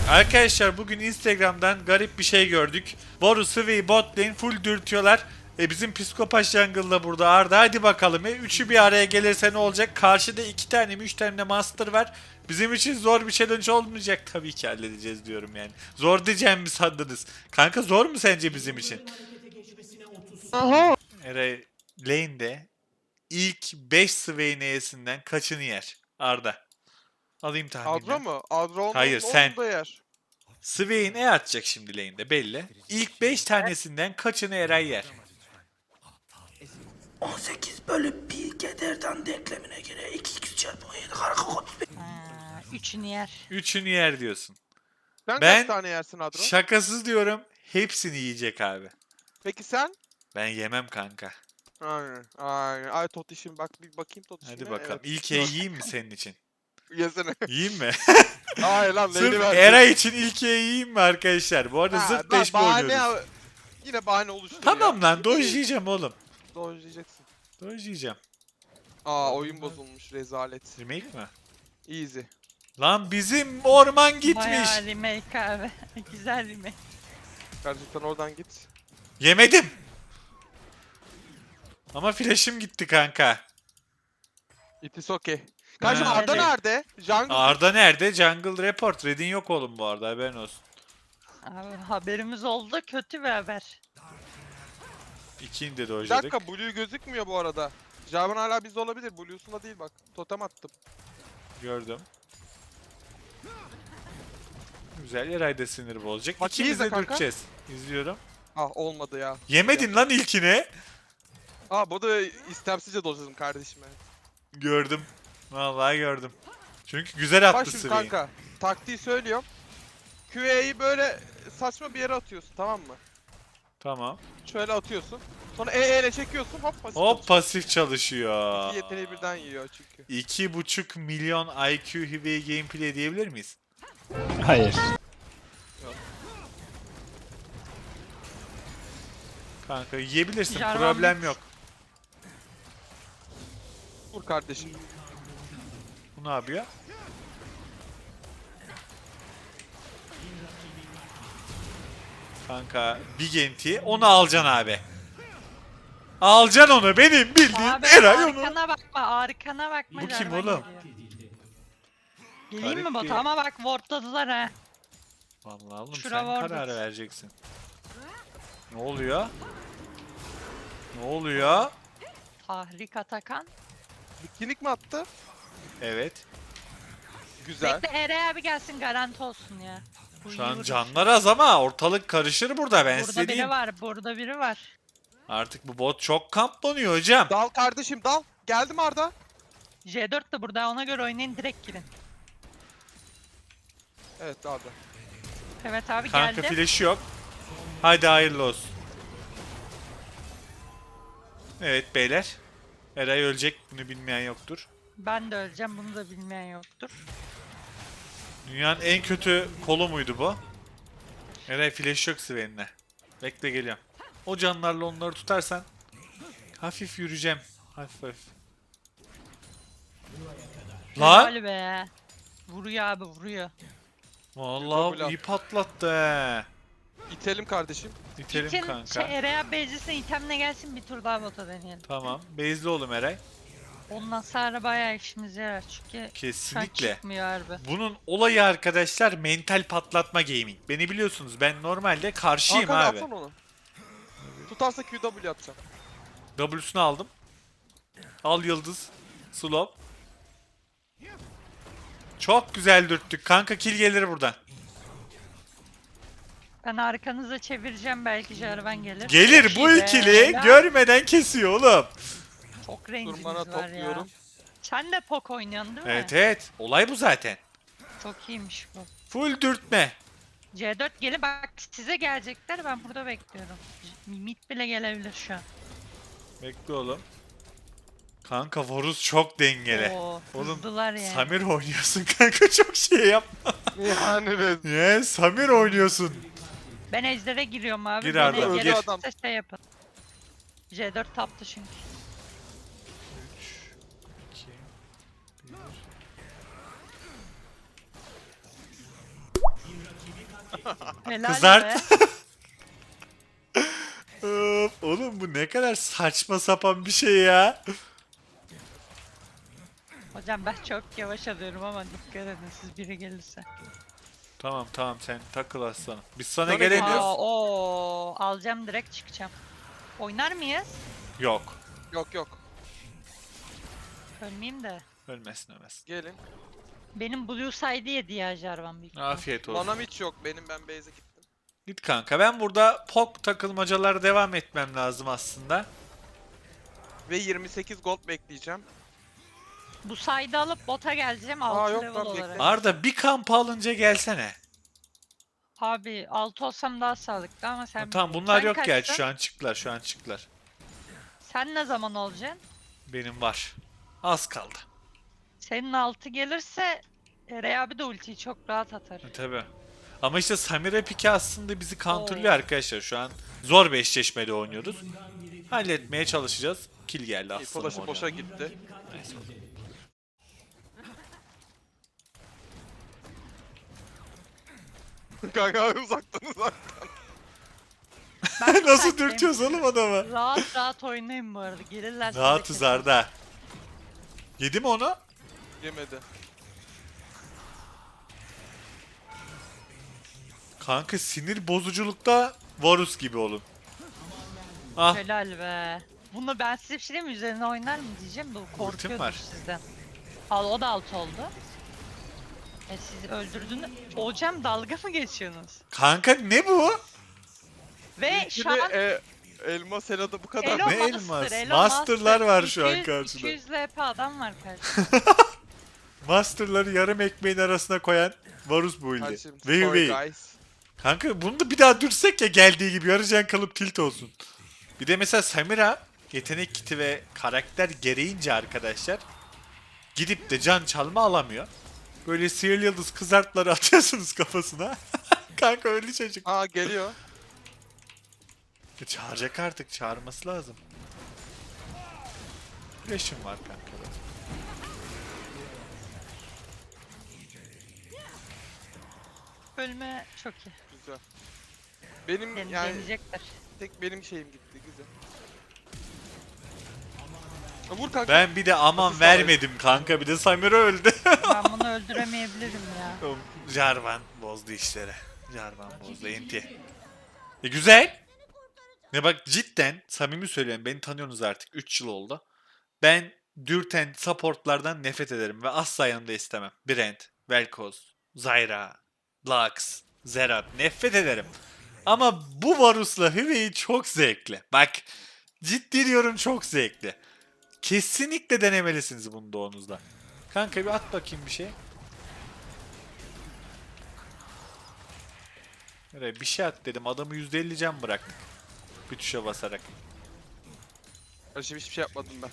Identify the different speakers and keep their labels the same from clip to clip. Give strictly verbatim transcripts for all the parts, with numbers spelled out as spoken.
Speaker 1: Arkadaşlar bugün Instagram'dan garip bir şey gördük. Boru, Swain, bot lane full dürtüyorlar. E bizim psikopat jungle'da burada Arda. Hadi bakalım. E, üçü bir araya gelirse ne olacak? Karşıda iki tane mi üç tane de master var. Bizim için zor bir challenge olmayacak. Tabii ki halledeceğiz diyorum yani. Zor diyeceğim mi sandınız? Kanka zor mu sence bizim için?
Speaker 2: Aha.
Speaker 1: Eray lane'de ilk beş Swain E'sinden kaçını yer? Arda. Alayım tahminini.
Speaker 2: Adro mu? Adro onun,
Speaker 1: Hayır,
Speaker 2: onun
Speaker 1: sen.
Speaker 2: da yer.
Speaker 1: Swain E atacak şimdi lane'de belli. İlk beş tanesinden kaçını Eray yer?
Speaker 3: on sekiz bölü bir Keder'den denklemine göre iki x çarpı on yedi kare otuz beş.
Speaker 4: Ha, üçünü yer.
Speaker 1: Üçünü yer diyorsun.
Speaker 2: Sen
Speaker 1: Ben-
Speaker 2: kaç tane yersin Adro?
Speaker 1: Şakasız diyorum. Hepsini yiyecek abi.
Speaker 2: Peki sen?
Speaker 1: Ben yemem kanka.
Speaker 2: Aynen. Aynen. Ay Totişim bak bir bakayım Totişim'e.
Speaker 1: Hadi bakalım.
Speaker 2: Evet.
Speaker 1: İlk E'yi yiyeyim mi senin için?
Speaker 2: Yesene.
Speaker 1: Yiyeyim mi?
Speaker 2: Hayır lan
Speaker 1: Sırf
Speaker 2: neyini ver.
Speaker 1: Eray için ilk E'yi yiyeyim mi arkadaşlar? Bu arada
Speaker 2: Ha,
Speaker 1: zırt
Speaker 2: bak,
Speaker 1: beş mi
Speaker 2: bahane-
Speaker 1: oynuyoruz?
Speaker 2: Yine bahane oluştu
Speaker 1: Tamam
Speaker 2: ya.
Speaker 1: lan dojlayacağım oğlum.
Speaker 2: Dojlayacaksın.
Speaker 1: Dojlayacağım.
Speaker 2: Aa oyun bozulmuş rezalet.
Speaker 1: Remake mi?
Speaker 2: Easy.
Speaker 1: Lan bizim orman gitmiş.
Speaker 4: Bayağı remake abi. Güzel remake.
Speaker 2: Gerçekten oradan git.
Speaker 1: Yemedim. Ama flash'im gitti kanka.
Speaker 2: It is okay. Kardeşim
Speaker 1: Ha,
Speaker 2: Arda
Speaker 4: evet.
Speaker 2: nerede? Jungle.
Speaker 1: Arda nerede? Jungle Report. Red'in yok oğlum bu arada haberin olsun.
Speaker 4: Abi haberimiz oldu, kötü bir haber.
Speaker 1: İkini de
Speaker 2: Bir
Speaker 1: dojladık.
Speaker 2: dakika Blue gözükmüyor bu arada. Jarvan hala bizde olabilir. Blue'sunda değil bak. Totem attım.
Speaker 1: Gördüm. Güzel. Eray da sinir bozacak.
Speaker 2: Bak,
Speaker 1: İkimiz
Speaker 2: izle
Speaker 1: de
Speaker 2: kanka.
Speaker 1: dürteceğiz. İzliyorum.
Speaker 2: Ah olmadı ya.
Speaker 1: Yemedin lan ilkini.
Speaker 2: Aa bu da istemsizce dojladım kardeşim evet.
Speaker 1: Gördüm. Vallahi gördüm. Çünkü güzel attı
Speaker 2: Bak şimdi
Speaker 1: Swain.
Speaker 2: kanka. Taktiği söylüyorum. Q E'yi böyle saçma bir yere atıyorsun tamam mı?
Speaker 1: Tamam.
Speaker 2: Şöyle atıyorsun. Sonra E E ile çekiyorsun hop pasif
Speaker 1: Hop
Speaker 2: çalışıyor.
Speaker 1: pasif çalışıyor.
Speaker 2: İki yeteneği birden yiyor çünkü.
Speaker 1: iki buçuk milyon I Q heavy gameplay diyebilir miyiz?
Speaker 5: Hayır.
Speaker 1: Kanka yiyebilirsin.
Speaker 4: Jarvan
Speaker 1: Problem
Speaker 4: mid.
Speaker 1: yok.
Speaker 2: Vur kardeşim.
Speaker 1: Bu ne yapıyor? Kanka big enti. Onu alacaksın abi. Alacaksın onu. Benim bildiğim
Speaker 4: Abi
Speaker 1: Eray onu.
Speaker 4: arkana bakma, arkana bakma.
Speaker 1: Bu kim
Speaker 4: Jarvan
Speaker 1: oğlum?
Speaker 4: geliyor. Geleyim mi
Speaker 1: Garip
Speaker 4: bota
Speaker 1: bir-
Speaker 4: ama bak wardladılar ha.
Speaker 1: Vallahi oğlum
Speaker 4: Şura
Speaker 1: sen
Speaker 4: vardı.
Speaker 1: karar vereceksin. Ne oluyor? Ne oluyor?
Speaker 4: Tahrik Atakan.
Speaker 2: Bikinik mi attı?
Speaker 1: Evet.
Speaker 2: Güzel.
Speaker 4: Bekle Eray abi gelsin garanti olsun ya. Bu iyi
Speaker 1: Şu an
Speaker 4: vurur.
Speaker 1: canlar az ama ortalık karışır burada ben
Speaker 4: Burada
Speaker 1: size
Speaker 4: biri
Speaker 1: diyeyim.
Speaker 4: var, burada biri var.
Speaker 1: Artık bu bot çok kamplanıyor hocam.
Speaker 2: Dal kardeşim dal. Geldim Arda.
Speaker 4: J dört de burada, ona göre oynayın, direkt girin.
Speaker 2: Evet Arda.
Speaker 4: Evet abi
Speaker 1: Kanka
Speaker 4: geldi.
Speaker 1: flash'ı yok. Hadi hayırlı olsun. Evet beyler. Eray ölecek. Bunu bilmeyen yoktur.
Speaker 4: Ben de öleceğim, bunu da bilmeyen yoktur.
Speaker 1: Dünyanın en kötü kolu muydu bu? Eray flash yok Swain'le. Bekle geliyorum. O canlarla onları tutarsan hafif yürüyeceğim. Hafif hafif. Lan!
Speaker 4: Helal be. Vuruyor abi, vuruyor.
Speaker 1: Vallahi
Speaker 2: Double
Speaker 1: iyi patlattı he.
Speaker 2: İtelim kardeşim.
Speaker 1: İtelim
Speaker 4: İtin,
Speaker 1: kanka.
Speaker 4: şey, Eray abi base'lisine itemle gelsin, bir tur daha bota deneyelim.
Speaker 1: Tamam. Base'li oğlum Eray.
Speaker 4: Ondan sonra bayağı işimize yarar çünkü şu an
Speaker 1: Kesinlikle.
Speaker 4: çıkmıyor harbi.
Speaker 1: Bunun olayı arkadaşlar mental patlatma gaming. Beni biliyorsunuz ben normalde karşıyım
Speaker 2: Hakan
Speaker 1: abi.
Speaker 2: atsana onu. Tutarsa Q W atacağım.
Speaker 1: W'sunu aldım. Al yıldız. Slow. Çok güzel dürttük. Kanka kill gelir buradan.
Speaker 4: Ben arkanıza çevireceğim, belki Jarvan gelir.
Speaker 1: Gelir
Speaker 4: Çok
Speaker 1: bu
Speaker 4: iyi be,
Speaker 1: ikili
Speaker 4: helal.
Speaker 1: görmeden kesiyor oğlum.
Speaker 4: Çok rencimiz
Speaker 2: Durmana
Speaker 4: var
Speaker 2: topluyorum.
Speaker 4: ya. Sen de pok oynuyorsun değil mi?
Speaker 1: Evet evet. Olay bu zaten.
Speaker 4: Çok iyiymiş bu.
Speaker 1: Full dürtme.
Speaker 4: C dört gelin, bak size gelecekler, ben burada bekliyorum. Mid bile gelebilir şu an.
Speaker 1: Bekle oğlum. Kanka Varus çok dengeli.
Speaker 4: Oo,
Speaker 1: Oğlum,
Speaker 4: hızlılar yani.
Speaker 1: Samir oynuyorsun kanka çok şey yapma.
Speaker 2: Yani be.
Speaker 1: Ya Samir oynuyorsun.
Speaker 4: Ben Ejder'e giriyorum abi.
Speaker 1: Gir
Speaker 4: Beni
Speaker 1: Arda,
Speaker 2: gir.
Speaker 4: gelirse
Speaker 2: Adam.
Speaker 4: şey yapın. C dört taptı çünkü. Helal
Speaker 1: Kızart.
Speaker 4: be.
Speaker 1: Of, oğlum bu ne kadar saçma sapan bir şey ya.
Speaker 4: Hocam ben çok yavaş alıyorum ama dikkat edin siz biri gelirse.
Speaker 1: Tamam tamam sen takıl aslanım. Biz sana
Speaker 2: Sonra
Speaker 1: gelemiyoruz.
Speaker 2: geliyoruz.
Speaker 4: Aa, oo, alacağım direkt çıkacağım. Oynar mıyız?
Speaker 1: Yok.
Speaker 2: Yok yok.
Speaker 4: Ölmeyeyim de.
Speaker 1: Ölmesin ölmesin.
Speaker 2: Gelin.
Speaker 4: Benim Blue Side'i yedi ya Jarvan büyük ihtimal.
Speaker 1: Afiyet olsun.
Speaker 2: Manam hiç yok benim, ben base'e gittim.
Speaker 1: Git kanka. Ben burada pok takılmacalara devam etmem lazım aslında.
Speaker 2: Ve yirmi sekiz gold bekleyeceğim.
Speaker 4: Bu side'ı alıp bota geleceğim
Speaker 2: Aa,
Speaker 4: altı
Speaker 2: yok
Speaker 4: level
Speaker 2: lan,
Speaker 4: olarak.
Speaker 2: bekle.
Speaker 1: Arda bir kamp alınca gelsene.
Speaker 4: Abi altı olsam daha sağlıklı ama sen...
Speaker 1: Tamam bunlar
Speaker 4: sen
Speaker 1: yok gerçi
Speaker 4: kaçta?
Speaker 1: şu an çıktılar şu an çıktılar.
Speaker 4: Sen ne zaman olacaksın?
Speaker 1: Benim var. Az kaldı.
Speaker 4: Senin altı gelirse Eray abi de ultiyi çok rahat atar.
Speaker 1: E, tabii. Ama işte Samira Piki aslında bizi counterlıyor
Speaker 4: Oo.
Speaker 1: arkadaşlar. Şu an zor bir eşleşmede oynuyoruz. Halletmeye çalışacağız. Kill geldi
Speaker 2: İyi,
Speaker 1: aslanım
Speaker 2: flash'ı
Speaker 1: oraya.
Speaker 2: boşa gitti.
Speaker 1: Neyse.
Speaker 2: Kanka uzaktan uzaktan.
Speaker 4: Ben
Speaker 1: Nasıl
Speaker 4: sakin.
Speaker 1: dürtüyoruz oğlum adamı?
Speaker 4: Rahat rahat oynayın bu arada. Gelirlerse de
Speaker 1: Rahatız
Speaker 4: keser.
Speaker 1: Arda. Yedi mi onu?
Speaker 2: Yemedi.
Speaker 1: Kanka sinir bozuculukta Varus gibi olun. Ah
Speaker 4: Helal be. Bunu ben size bir şey diyeyim mi? Üzerine oynar mı diyeceğim. Bu korkuyordur
Speaker 1: var.
Speaker 4: sizden. Al o da alt oldu. E siz öldürdünüz. Hocam dalga mı geçiyorsunuz?
Speaker 1: kanka ne bu?
Speaker 4: Ve şu
Speaker 2: Şimdi
Speaker 4: an
Speaker 2: e, elma senada bu kadar.
Speaker 4: Elo
Speaker 1: Ne
Speaker 4: Master,
Speaker 1: elmas?
Speaker 4: Elo
Speaker 1: Master'lar
Speaker 4: Master.
Speaker 1: var şu an
Speaker 4: iki yüz
Speaker 1: karşıda.
Speaker 4: iki yüz L P adam var karşıda.
Speaker 1: Master'ları yarım ekmeğin arasına koyan Varus bu ilde.
Speaker 2: Kardeşim,
Speaker 1: Veyu
Speaker 2: sorry
Speaker 1: veyu.
Speaker 2: guys.
Speaker 1: Kanka bunu da bir daha dürsek ya geldiği gibi yarıcan kalıp tilt olsun. Bir de mesela Samira yetenek kiti ve karakter gereğince arkadaşlar gidip de can çalma alamıyor. Böyle sihirli yıldız kızartları atıyorsunuz kafasına. Kanka öyle çocuk.
Speaker 2: Aa geliyor.
Speaker 1: E, çağıracak artık çağırması lazım. Flash'ım var kanka.
Speaker 4: Ölme çok iyi.
Speaker 2: Güzel. Benim
Speaker 4: Yani
Speaker 2: yani
Speaker 4: deneyecekler.
Speaker 2: tek benim şeyim gitti, güzel. Ha, vur kanka.
Speaker 1: Ben bir de aman
Speaker 2: Hafif
Speaker 1: vermedim kanka bir de Samira öldü.
Speaker 4: Ben bunu öldüremeyebilirim ya.
Speaker 1: Jarvan bozdu işleri. Jarvan bozdu enti. E güzel. Ne bak cidden samimi söylüyorum beni tanıyorsunuz artık üç yıl oldu. Ben dürten supportlardan nefret ederim ve asla yanımda istemem. Brand, Vel'Koz, Zyra, Lux, Zerat nefret ederim. Ama bu Varus'la Hüveyi çok zevkli. Bak ciddi diyorum çok zevkli. Kesinlikle denemelisiniz bunu doğunuzda. Kanka bir at bakayım bir şey. Nereye bir şey at dedim adamı yüzde elli can bıraktık. Bir tuşa basarak.
Speaker 2: Kardeşim hiçbir şey yapmadım ben.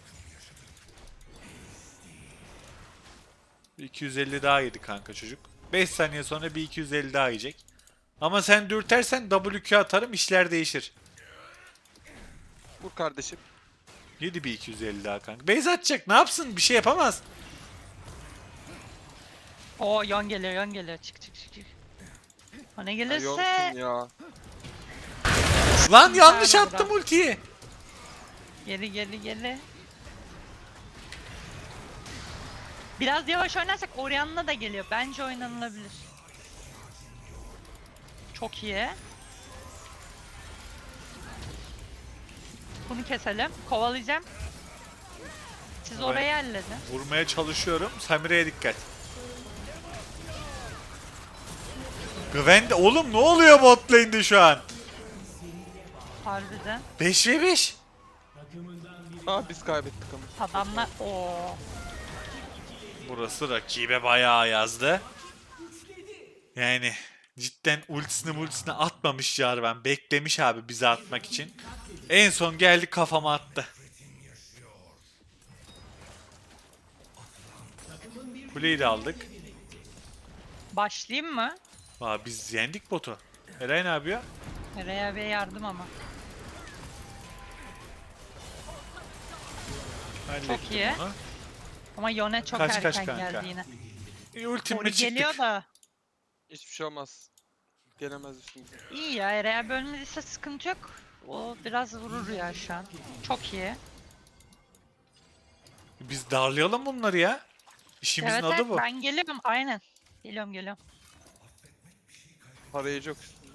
Speaker 1: Bir iki yüz elli daha yedi kanka çocuk. beş saniye sonra bir iki yüz elli daha yiyecek. Ama sen dürtersen W Q atarım işler değişir.
Speaker 2: Vur kardeşim.
Speaker 1: Yedi bir iki yüz elli daha kanka. Base atacak ne yapsın bir şey yapamaz.
Speaker 4: Oo yon geliyor yon geliyor. Çık çık çık çık. O ne
Speaker 2: Ay,
Speaker 4: gelirse
Speaker 2: yoksun ya.
Speaker 1: Lan yanlış
Speaker 4: Bravo,
Speaker 1: attım
Speaker 4: bravo.
Speaker 1: ultiyi.
Speaker 4: geri geri geri. Biraz yavaş oynarsak Orianna da geliyor. Bence oynanılabilir. Çok iyi. Bunu keselim. Kovalayacağım. Siz
Speaker 1: Evet.
Speaker 4: orayı halledin.
Speaker 1: Vurmaya çalışıyorum. Samira'ya dikkat. Gwen de oğlum ne oluyor bot lane'de şu an?
Speaker 4: Harbiden.
Speaker 1: beş ve beş.
Speaker 2: Aa biz kaybettik ama.
Speaker 4: Adamlar o
Speaker 1: Burası rakibe bayağı yazdı. Yani cidden ultisini multisini atmamış Jarvan. Beklemiş abi bize atmak için. En son geldi kafama attı. Kuleyi de aldık.
Speaker 4: başlayayım mı?
Speaker 1: Aa, biz yendik botu. Eray ne yapıyor?
Speaker 4: Eray abiye yardım ama.
Speaker 1: Hallettim
Speaker 4: iyi.
Speaker 1: onu.
Speaker 4: Ama Yone çok
Speaker 1: Kaç, kaç
Speaker 4: erken
Speaker 1: kanka?
Speaker 4: geldi yine.
Speaker 1: E, ultimle
Speaker 4: Ori
Speaker 1: çıktık.
Speaker 4: geliyor da.
Speaker 2: Hiçbir şey olmaz. Gelemez üstümüze.
Speaker 4: İyi ya, Ereğe bölmediyse sıkıntı yok. O biraz vurur ya şu an. Çok iyi.
Speaker 1: Biz darlayalım bunları ya. İşimizin
Speaker 4: Evet,
Speaker 1: adı
Speaker 4: evet
Speaker 1: bu.
Speaker 4: ben geliyorum aynen. Geliyorum geliyorum.
Speaker 2: Parayı yok üstünde.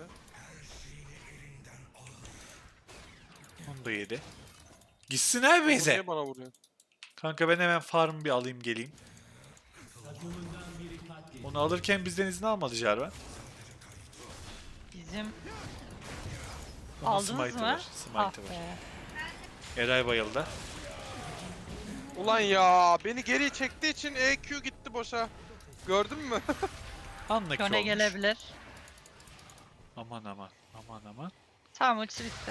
Speaker 1: Onu da yedi. Gitsin abi
Speaker 2: Bu
Speaker 1: bize.
Speaker 2: niye bana vuruyor?
Speaker 1: Kanka ben hemen farm bir alayım geleyim. Onu alırken bizden izin almadı Jarvan.
Speaker 4: Bizim
Speaker 1: Onun
Speaker 4: aldınız
Speaker 1: smite'ı
Speaker 4: mı?
Speaker 1: var.
Speaker 4: Ah
Speaker 1: Smite'ı var.
Speaker 4: be.
Speaker 1: Eray bayıldı.
Speaker 2: Ulan ya beni geri çektiği için E Q gitti boşa. Gördün mü?
Speaker 1: Anla ki
Speaker 4: Yone
Speaker 1: olmuş.
Speaker 4: gelebilir.
Speaker 1: Aman aman. Aman aman.
Speaker 4: Tamam ulti bitti.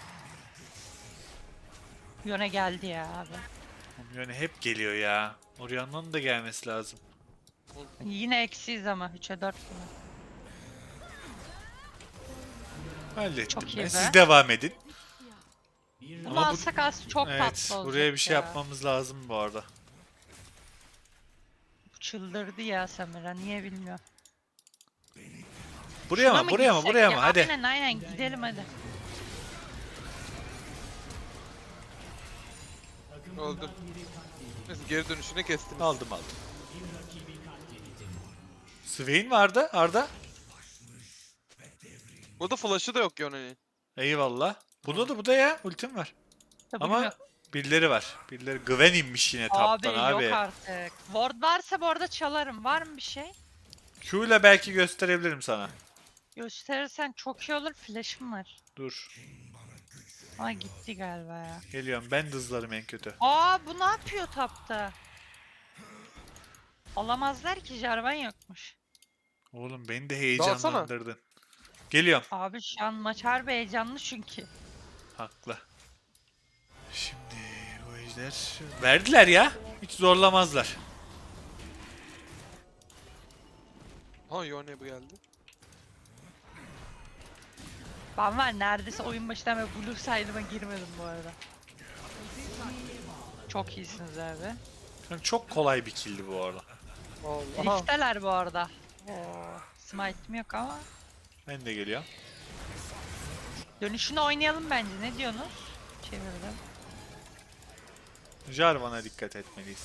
Speaker 4: Yone geldi ya abi.
Speaker 1: Oğlum Yone hep geliyor ya. Orianna'nın da gelmesi lazım.
Speaker 4: Yine eksiyiz ama üçe dört gibi.
Speaker 1: Hallettim
Speaker 4: Çok
Speaker 1: ben.
Speaker 4: iyi be.
Speaker 1: Siz devam edin.
Speaker 4: Bunu
Speaker 1: Ama bu-
Speaker 4: alsak az çok
Speaker 1: Evet.
Speaker 4: tatlı olacak
Speaker 1: Buraya bir şey
Speaker 4: ya.
Speaker 1: yapmamız lazım bu arada.
Speaker 4: Bu çıldırdı ya Samira, niye bilmiyorum.
Speaker 1: Buraya
Speaker 4: Şuna
Speaker 1: mı? Buraya mı?
Speaker 4: gitsek
Speaker 1: Buraya
Speaker 4: ya?
Speaker 1: mı? Hadi.
Speaker 4: Aynen aynen gidelim hadi.
Speaker 2: Öldüm. Neyse geri dönüşünü kestim.
Speaker 1: Aldım aldım. Swain vardı Arda.
Speaker 2: Burada flash'ı da yok Yone'nin.
Speaker 1: Eyvallah. Bunda da bu da ya. Ultim var.
Speaker 4: Tabii
Speaker 1: Ama
Speaker 4: yok.
Speaker 1: birileri var. Birileri Gwen inmiş yine taptan
Speaker 4: Abi,
Speaker 1: abi.
Speaker 4: yok artık. Ward varsa bu arada çalarım. Var mı bir şey?
Speaker 1: Q ile belki gösterebilirim sana.
Speaker 4: Gösterirsen çok iyi olur. Flash'ım var.
Speaker 1: Dur.
Speaker 4: Ama gitti galiba ya.
Speaker 1: Geliyorum. Ben de hızlarım en kötü.
Speaker 4: Aa, bu ne yapıyor tapta? Alamazlar ki, Jarvan yokmuş.
Speaker 1: Oğlum beni de
Speaker 2: Dalsana.
Speaker 1: heyecanlandırdın. Geliyorum.
Speaker 4: Abi şu an maç harbi heyecanlı çünkü.
Speaker 1: Haklı. Şimdi bu ejder... Verdiler ya. Hiç zorlamazlar.
Speaker 2: Ha Yone bu geldi.
Speaker 4: Ben var neredeyse oyun başından beri blue side'ıma girmedim bu arada. Çok iyisiniz abi.
Speaker 1: Yani çok kolay bir killdi bu arada.
Speaker 2: Allah.
Speaker 4: Rift'teler bu arada. Oo, smite'im yok ama.
Speaker 1: Ben de geliyorum.
Speaker 4: Dönüşünü oynayalım bence. Ne diyorsunuz? Çevirdim.
Speaker 1: Jarvan'a dikkat etmeliyiz.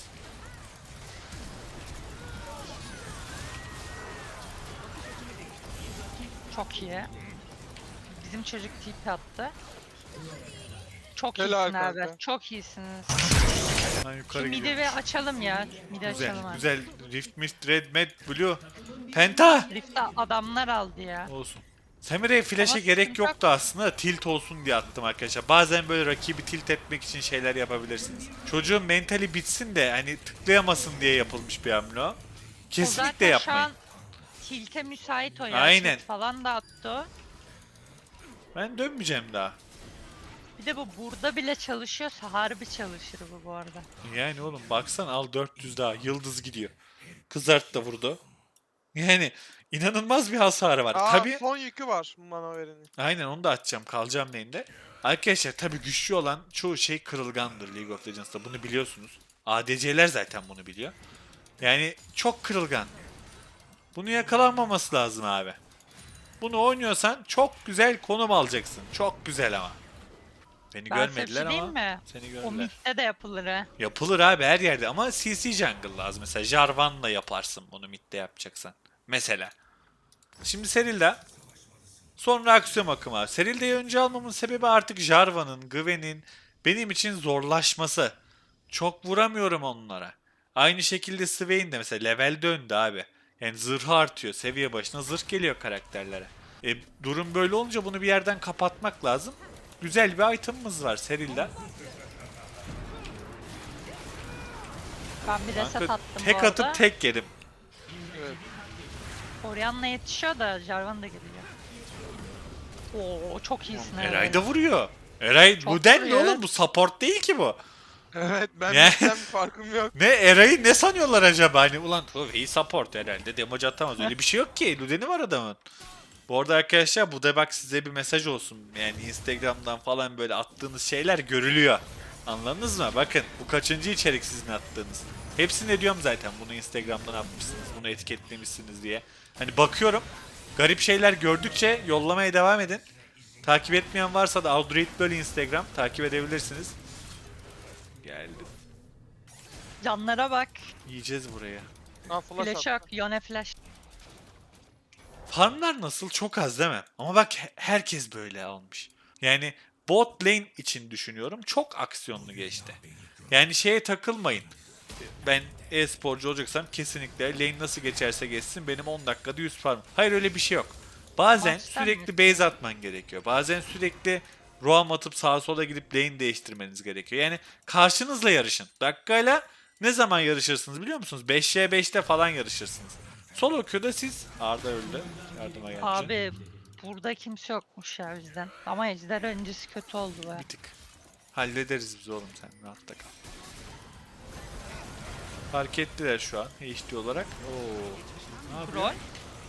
Speaker 4: Çok iyi. Bizim çocuk tip attı. Çok
Speaker 2: Helal
Speaker 4: iyisin abi.
Speaker 2: kanka.
Speaker 4: Çok iyisiniz.
Speaker 1: Ben
Speaker 4: Şu
Speaker 1: yukarı
Speaker 4: midi
Speaker 1: gidiyorum.
Speaker 4: bir açalım ya. Midi
Speaker 1: Güzel,
Speaker 4: açalım abi.
Speaker 1: güzel. Rift, Mist, Red, Med, Blue. Penta!
Speaker 4: Rift'te adamlar aldı ya.
Speaker 1: Olsun. Samira'ya flash'e
Speaker 4: Ama
Speaker 1: gerek
Speaker 4: sıkıntı yok.
Speaker 1: yoktu aslında. Tilt olsun diye attım arkadaşlar. Bazen böyle rakibi tilt etmek için şeyler yapabilirsiniz. Çocuğun mentali bitsin de hani tıklayamasın diye yapılmış bir hamle o.
Speaker 4: O
Speaker 1: Kesinlikle
Speaker 4: zaten
Speaker 1: yapmayın.
Speaker 4: şu an tilte müsait o ya.
Speaker 1: Aynen.
Speaker 4: Şut falan da attı o.
Speaker 1: Ben dönmeyeceğim daha.
Speaker 4: Bir de bu burada bile çalışıyorsa harbi çalışır bu bu arada.
Speaker 1: Yani oğlum baksan al dört yüz daha. Yıldız gidiyor. Kızart da vurdu. Yani inanılmaz bir hasarı var.
Speaker 2: Aa
Speaker 1: Tabii.
Speaker 2: son yükü var mana vereni.
Speaker 1: Aynen onu da atacağım. Kalacağım lane'de. Arkadaşlar tabii güçlü olan çoğu şey kırılgandır League of Legends'ta. Bunu biliyorsunuz. A D C'ler zaten bunu biliyor. Yani çok kırılgan. Bunu yakalanmaması lazım abi. Bunu oynuyorsan çok güzel konum alacaksın. Çok güzel ama. Beni
Speaker 4: Ben size bir
Speaker 1: görmediler
Speaker 4: şey diyeyim
Speaker 1: ama
Speaker 4: mi?
Speaker 1: seni
Speaker 4: O
Speaker 1: gördüler.
Speaker 4: midde de yapılır ha.
Speaker 1: Yapılır abi her yerde ama C C jungle lazım. Mesela Jarvan'la yaparsın bunu midde yapacaksan. Mesela. Şimdi Serilda. Sonra aksiyon akımı abi. Serilda'yı önce almamın sebebi artık Jarvan'ın, Gwen'in benim için zorlaşması. Çok vuramıyorum onlara. Aynı şekilde Swain de mesela level döndü abi. Yani zırhı artıyor. Seviye başına zırh geliyor karakterlere. E, durum böyle olunca bunu bir yerden kapatmak lazım. Güzel bir item'ımız var Serilda.
Speaker 4: Ben bir reset
Speaker 1: Kanka,
Speaker 4: attım
Speaker 1: tek
Speaker 4: bu arada.
Speaker 1: atıp tek yedim.
Speaker 2: Evet.
Speaker 4: Orianna yetişiyor da Jarvan da geliyor. Oo, çok iyisin abi.
Speaker 1: Eray da vuruyor. Eray
Speaker 4: Çok
Speaker 1: bu den ne
Speaker 4: vuruyor,
Speaker 1: oğlum?
Speaker 4: evet.
Speaker 1: Bu support değil ki bu.
Speaker 2: Evet ben
Speaker 1: Ne?
Speaker 2: bizden bir farkım yok.
Speaker 1: Ne Eray'ı ne sanıyorlar acaba? Hani ulan iyi support herhalde. Damage atamaz. Öyle bir şey yok ki. Ludeni var adamın. Bu arada arkadaşlar bu da bak size bir mesaj olsun. Yani Instagram'dan falan böyle attığınız şeyler görülüyor. Anladınız mı? Bakın bu kaçıncı içerik sizin attığınız. Hepsini diyorum zaten bunu Instagram'dan atmışsınız. Bunu etiketlemişsiniz diye. Hani bakıyorum. Garip şeyler gördükçe yollamaya devam edin. Takip etmeyen varsa da Audrey böyle Instagram takip edebilirsiniz. Geldim.
Speaker 4: Canlara bak.
Speaker 1: Yiyeceğiz buraya.
Speaker 2: Ha flash
Speaker 4: Flash
Speaker 2: at.
Speaker 4: yok. Yone flash.
Speaker 1: Farmlar nasıl? Çok az değil mi? Ama bak he- herkes böyle almış. Yani bot lane için düşünüyorum. Çok aksiyonlu geçti. Yani şeye takılmayın. Ben e-sporcu olacaksam kesinlikle lane nasıl geçerse geçsin benim on dakikada yüz farm. Hayır öyle bir şey yok. Bazen
Speaker 4: Maçtan
Speaker 1: sürekli
Speaker 4: mı?
Speaker 1: base atman gerekiyor. Bazen sürekli roam atıp sağa sola gidip lane değiştirmeniz gerekiyor. Yani karşınızla yarışın. Dakikayla ne zaman yarışırsınız biliyor musunuz? beş ve beşte falan yarışırsınız. Solo queue'da siz... Arda öldü. Yardıma gelince.
Speaker 4: Abi burada kimse yokmuş ya bizden. Ama ejder öncesi kötü oldu be.
Speaker 1: Bir tık. Hallederiz biz oğlum sen rahatta kal. Fark ettiler şu an H D olarak. Oo. Ne yapıyor?
Speaker 4: Rol.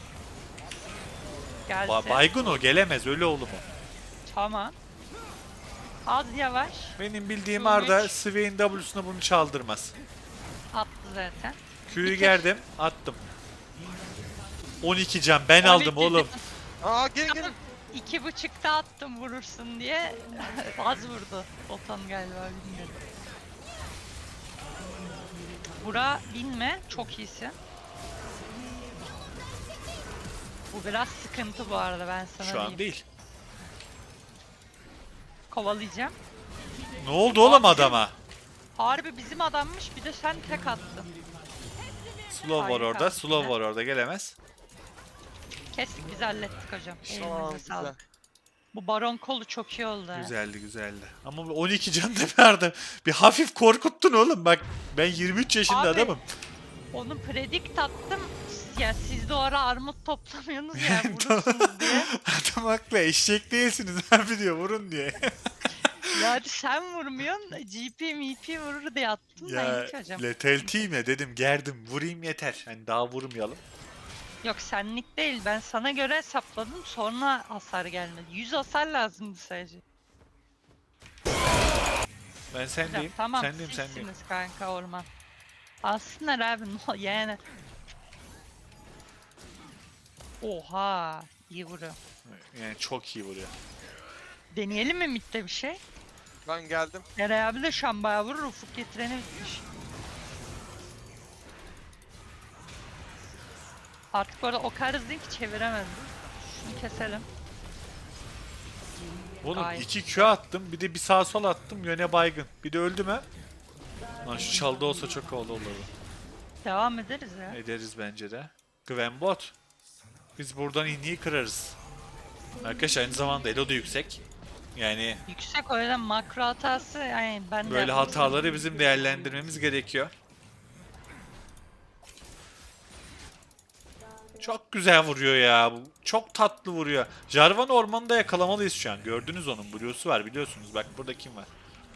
Speaker 4: Geldi.
Speaker 1: Ba baygın o gelemez ölü oğlum o.
Speaker 4: Tamam. Az yavaş.
Speaker 1: Benim bildiğim
Speaker 4: Hı,
Speaker 1: Arda
Speaker 4: hiç.
Speaker 1: Swain W'suna bunu çaldırmaz.
Speaker 4: Attı zaten.
Speaker 1: Q'yu
Speaker 4: Bir
Speaker 1: gerdim attım. on iki can ben
Speaker 4: on
Speaker 1: aldım
Speaker 4: iki
Speaker 1: oğlum.
Speaker 2: Aa gelin gelin.
Speaker 4: İki buçukta attım vurursun diye. Az vurdu. Otan galiba bilmiyorum. Bura binme. Çok iyisin. Bu biraz sıkıntı bu arada ben sana
Speaker 1: Şu an
Speaker 4: diyeyim.
Speaker 1: değil.
Speaker 4: Kovalayacağım.
Speaker 1: Ne oldu oğlum
Speaker 4: Abi,
Speaker 1: adama?
Speaker 4: Harbi bizim adammış bir de sen tek attın.
Speaker 1: Slow var
Speaker 4: Harika.
Speaker 1: orada. Slow var orada gelemez.
Speaker 4: Kestik biz hallettik hocam.
Speaker 2: Tamam
Speaker 4: Elinize
Speaker 2: güzel.
Speaker 4: sağlık. Bu baron kolu çok iyi oldu. ha.
Speaker 1: Güzeldi güzeldi. Ama bu on iki can da verdim. Bir hafif korkuttun oğlum bak. Ben yirmi üç yaşında
Speaker 4: Abi,
Speaker 1: adamım.
Speaker 4: Onu predict attım. Ya siz de o ara armut toplamıyorsunuz ya vurursunuz diye.
Speaker 1: Adam haklı eşek değilsiniz abi diyor vurun diye.
Speaker 4: Ya hadi sen vurmuyorsun. G P M P vurur diye attım da
Speaker 1: ya
Speaker 4: ilk hocam.
Speaker 1: letaltiyim ya dedim gerdim vurayım yeter. Hani daha vurmayalım.
Speaker 4: Yok senlik değil. Ben sana göre hesapladım. Sonra hasar gelmedi. yüz hasar lazımdı sadece.
Speaker 1: Ben
Speaker 4: Hocam,
Speaker 1: sendeyim.
Speaker 4: tamam
Speaker 1: Sendeyim sendeyim.
Speaker 4: sizsiniz kanka orman. Alsınlar abi no yani. Oha iyi vuruyor.
Speaker 1: Yani çok iyi vuruyor.
Speaker 4: Deneyelim mi midde bir şey?
Speaker 2: Ben geldim.
Speaker 4: Eray abi de şu an bayağı vurur. Ufuk getireni bitmiş. Artık orada o kadar hızlıyım ki çeviremedim. Şunu keselim.
Speaker 1: Oğlum
Speaker 4: Ay.
Speaker 1: iki Q attım bir de bir sağ sol attım yöne baygın. Bir de öldü mü? Lan şu çaldı olsa çok havalı olurdu.
Speaker 4: Devam ederiz ya.
Speaker 1: Ederiz bence de. Gwen bot. Biz buradan inliği kırarız. Arkadaşlar aynı zamanda elo da yüksek. Yani
Speaker 4: Yüksek o yüzden makro hatası yani ben de
Speaker 1: böyle
Speaker 4: yapmıştım.
Speaker 1: hataları bizim değerlendirmemiz gerekiyor. Çok güzel vuruyor ya. Bu çok tatlı vuruyor. Jarvan ormanında yakalamalıyız şu an. Gördünüz onun Blue'su var biliyorsunuz. Bak burada kim var?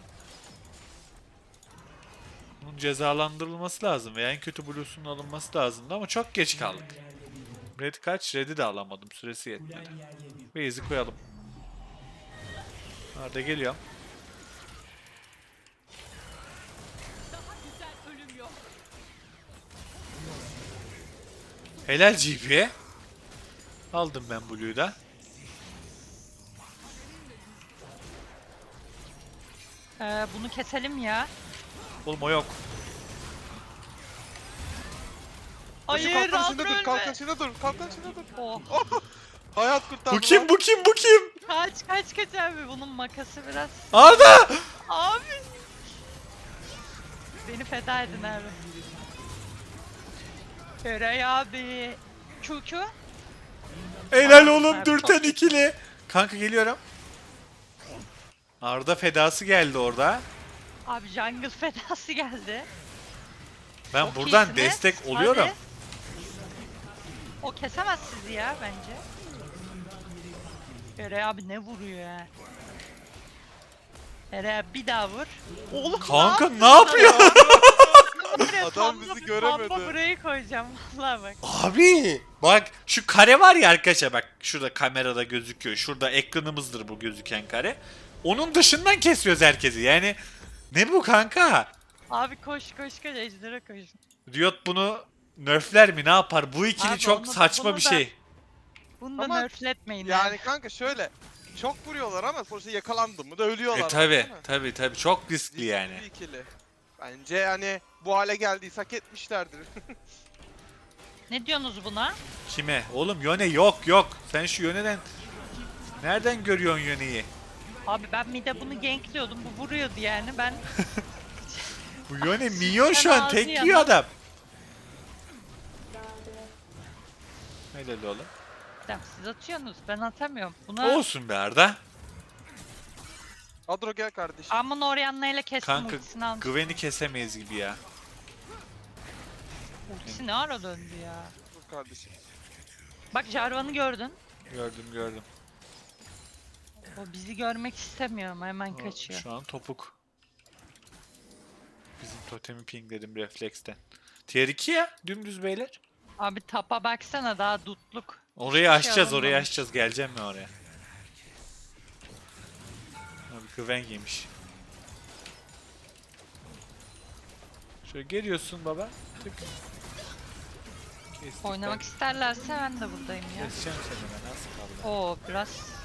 Speaker 1: Bunun cezalandırılması lazım veya en kötü Blue'sunun alınması lazımdı ama çok geç kaldık. Red kaç? Red'i de alamadım. Süresi yetmedi. Base'i koyalım. Arda geliyor. Helal G P'ye. Aldım ben Blue'yu da.
Speaker 4: Ee, bunu keselim ya.
Speaker 1: Oğlum o yok.
Speaker 2: Hayır,
Speaker 4: Hayır
Speaker 2: kalkan içinde dur,
Speaker 4: Aldro
Speaker 2: kalkan
Speaker 4: ölme.
Speaker 2: içinde dur, kalkan içinde dur.
Speaker 4: Oh.
Speaker 2: Hayat kurtardı.
Speaker 1: Bu kim bu kim bu kim?
Speaker 4: Kaç kaç kaç abi bunun makası biraz.
Speaker 1: Arda!
Speaker 4: Abi. Beni feda edin abi. Eray abi. Q Q.
Speaker 1: Helal oğlum
Speaker 4: Abi,
Speaker 1: dürten
Speaker 4: çok-
Speaker 1: ikili. Kanka geliyorum. Arda fedası geldi orada.
Speaker 4: Abi jungle fedası geldi.
Speaker 1: Ben
Speaker 4: Çok
Speaker 1: buradan
Speaker 4: iyisiniz.
Speaker 1: destek oluyorum.
Speaker 4: Hadi. O kesemez sizi ya bence. Eray abi ne vuruyor ya? Eray abi bir daha vur. Oğlum
Speaker 1: Kanka
Speaker 4: ne
Speaker 1: ne yapıyor?
Speaker 4: Buraya
Speaker 2: Adam
Speaker 4: pamba-
Speaker 2: bizi göremedi.
Speaker 4: Pamba burayı koyacağım vallahi bak.
Speaker 1: Abi bak şu kare var ya arkadaşlar bak şurada kamerada gözüküyor. Şurada ekranımızdır bu gözüken kare. Onun dışından kesiyoruz herkesi. Yani ne bu kanka?
Speaker 4: Abi koş koş koş ejdere koş.
Speaker 1: Riot bunu nerfler mi ne yapar? Bu ikili
Speaker 4: Abi
Speaker 1: çok
Speaker 4: onu-
Speaker 1: saçma
Speaker 4: bunu
Speaker 1: bir
Speaker 4: da-
Speaker 1: şey.
Speaker 4: Bunu da
Speaker 2: Ama
Speaker 4: nerfletmeyin.
Speaker 2: Yani kanka şöyle. Çok vuruyorlar ama sonuçta yakalandı mı da ölüyorlar.
Speaker 1: E tabi
Speaker 2: değil mi?
Speaker 1: tabi tabi çok riskli yani.
Speaker 2: Bir ikili. Bence hani bu hale geldiyse hak etmişlerdir.
Speaker 4: Ne diyorsunuz buna?
Speaker 1: Kime? Oğlum Yone yok yok. Sen şu Yone'den nereden görüyorsun Yone'yi?
Speaker 4: Abi ben bir de bunu gankliyordum. Bu vuruyordu yani. Ben
Speaker 1: Bu Yone minyon şu
Speaker 4: Ben
Speaker 1: an tek
Speaker 4: ağzı
Speaker 1: yiyor
Speaker 4: yanan-
Speaker 1: adam. Helal oğlum.
Speaker 4: Ya siz atıyorsunuz. Ben atamıyorum. Buna
Speaker 1: Olsun be Arda.
Speaker 2: Adro gel kardeşim.
Speaker 4: Amon Orianna ile kestim
Speaker 1: Kanka
Speaker 4: ultisini aldım.
Speaker 1: Gwen'i kesemeyiz gibi ya.
Speaker 4: Ultisi ne ara döndü ya.
Speaker 2: Dur kardeşim.
Speaker 4: Bak Jarvan'ı gördün.
Speaker 1: Gördüm gördüm.
Speaker 4: O bizi görmek istemiyor ama hemen kaçıyor.
Speaker 1: Şu an topuk. Bizim totemi pingledim refleksten. Tier iki ya dümdüz beyler.
Speaker 4: Abi tapa baksana daha dutluk.
Speaker 1: Orayı
Speaker 4: Hiçbir
Speaker 1: açacağız
Speaker 4: şey
Speaker 1: orayı
Speaker 4: alınmamış.
Speaker 1: açacağız. Geleceğim mi oraya? Abi Gwen yemiş. Şöyle geliyorsun baba. Tık. Kestik
Speaker 4: Oynamak
Speaker 1: ben.
Speaker 4: isterlerse ben de buradayım ya.
Speaker 1: Keseceğim seni ben az kaldı.
Speaker 4: Oo biraz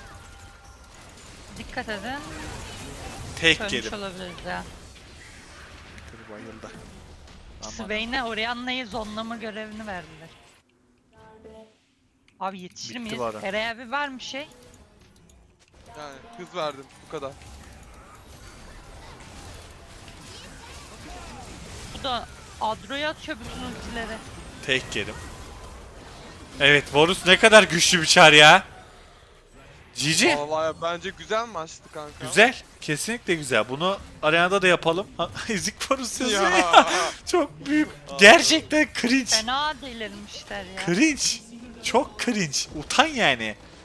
Speaker 4: dikkat edin.
Speaker 1: Tek
Speaker 4: Ölmüş
Speaker 1: yedim.
Speaker 4: olabiliriz ya.
Speaker 1: Dur bayıldı. Aman.
Speaker 4: Swain'e Orianna'yı zonlama görevini verdiler. Abi yetişir
Speaker 1: Bitti
Speaker 4: miyiz?
Speaker 1: bu ara.
Speaker 4: Eray abi var mı şey?
Speaker 2: Yani hız verdim bu kadar.
Speaker 4: Bu da Adro'ya atıyor bütün ultileri.
Speaker 1: Tek yedim. Evet Varus ne kadar güçlü bir çar ya. Cici.
Speaker 2: Vallahi bence güzel maçtı kanka.
Speaker 1: Güzel. Kesinlikle güzel. Bunu arenada da yapalım. Ha, Ezik Varus yazıyor ya.
Speaker 2: Ya.
Speaker 1: Çok büyük. Gerçekten cringe.
Speaker 4: Fena delirmişler ya.
Speaker 1: Cringe. Çok cringe. Utan yani.